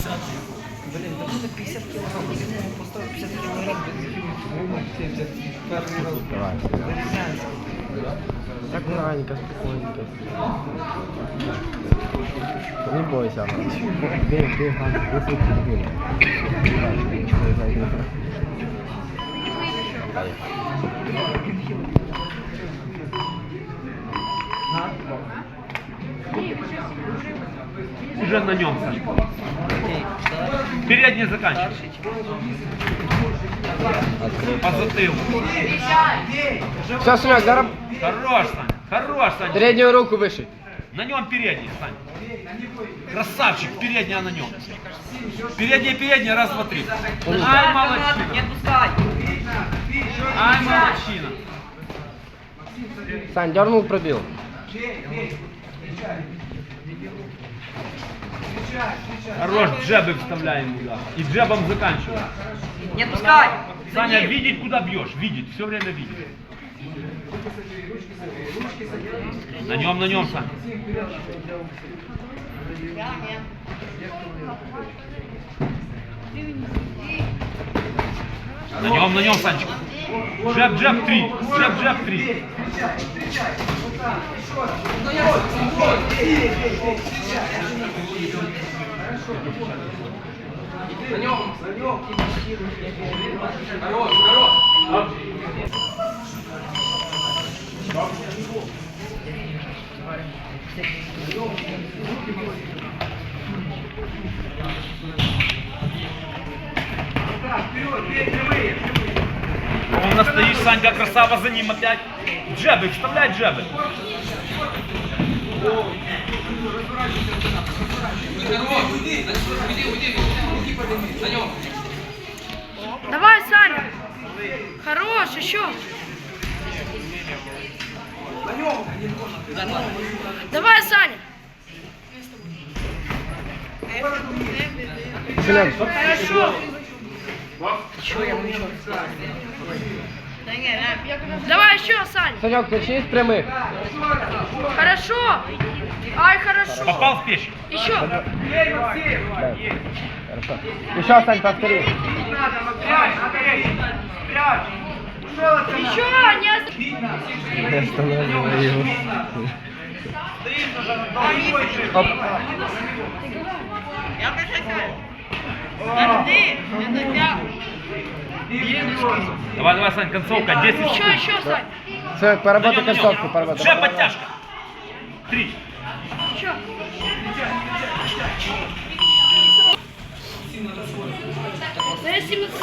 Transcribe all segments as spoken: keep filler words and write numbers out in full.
Блин, да надо пятьдесят килограмм, минимум поставить пятьдесят килограмм, семьдесят, первый раз. Давай. Аккуратненько, спокойненько. Не бойся. Бей, бей, Ганс, если ты бил. Уже на нем, Сашка. Передний заканчивай. По затылку. Все, Санек, даром. Хорош, Саня. Хорош, Саня. Переднюю руку выше. На нем передний, Саня. Красавчик, передняя на нем. Передняя, передняя, раз, два, три. Ай, молодчина. Не отпускай. Ай, молодчина. Сань, дернул, пробил. Хорош, джебы вставляем туда. И джебом заканчиваем. Не отпускай. Саня, видеть, куда бьешь. Видеть, все время видеть. На нем, на нем, Саня. На нем, на нем, Санечка. Джеб, джеб, три. Джеб, джеб, три. На нем, на нем. Хорош, хорош. Он настоишь, Санька, красава за ним опять. Джебы, вставляй джебы. Давай, Саня. Хорош, еще. Давай, Саня. Санек, Хорошо. Давай еще, Саня. Санек, начни с прямых. Хорошо. Ай, хорошо. Попал в печень. Еще. Да. Хорошо. Еще, Сань, повтори. Еще, не ост- Я останавливаю его. Оп. Давай, давай, Сань, концовка, десять Еще, секунд. еще, Сань. Санек, поработай На нем, на нем. концовку, поработай. Джеб, подтяжка. Три. Еще. Да, семнадцать.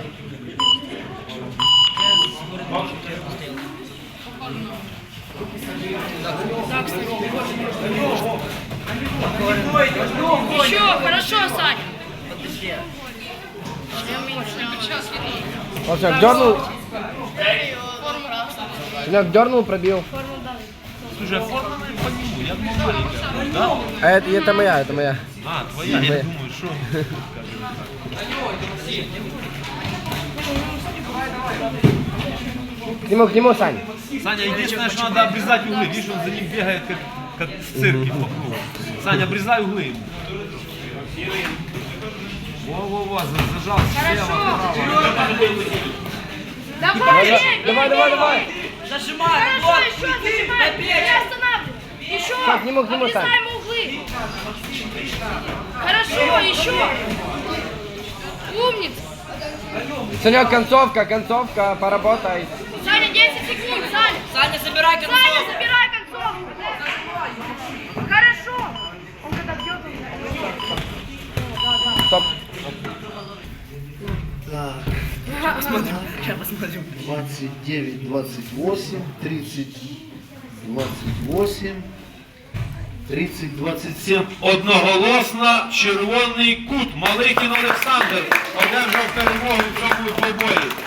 Еще, хорошо, Саня. Вот Санек, дернул. Санек, дернул, пробил. Слушай, а форма по нему, я думал, маленькая. Да? А это, это моя, это моя. А, твоя, Моя. я думаю, что... К нему, к нему, Сань. Саня, единственное, что надо обрезать углы. Видишь, он за ним бегает, как, как в цирке по кругу. Саня, обрезай углы ему. Во-во-во, зажал слева, право. Давай, бей, Давай, давай, давай. Зажимай. Хорошо, еще зажимай. Не останавливай. Еще. Так, к нему, к нему, Сань. Обрезай ему углы. Хорошо, еще. Умница. Санек, концовка, концовка, поработай. Саня, десять секунд, Саня. Саня, забирай концовку. Саня, забирай концовку. Хорошо. Он когда бьет, он... Стоп. Так, двадцать девять, двадцать восемь, тридцать, двадцать восемь, тридцать, двадцать семь. Одноголосно червоний кут. Малихін Олександр одержав перемогу в цьому двобої.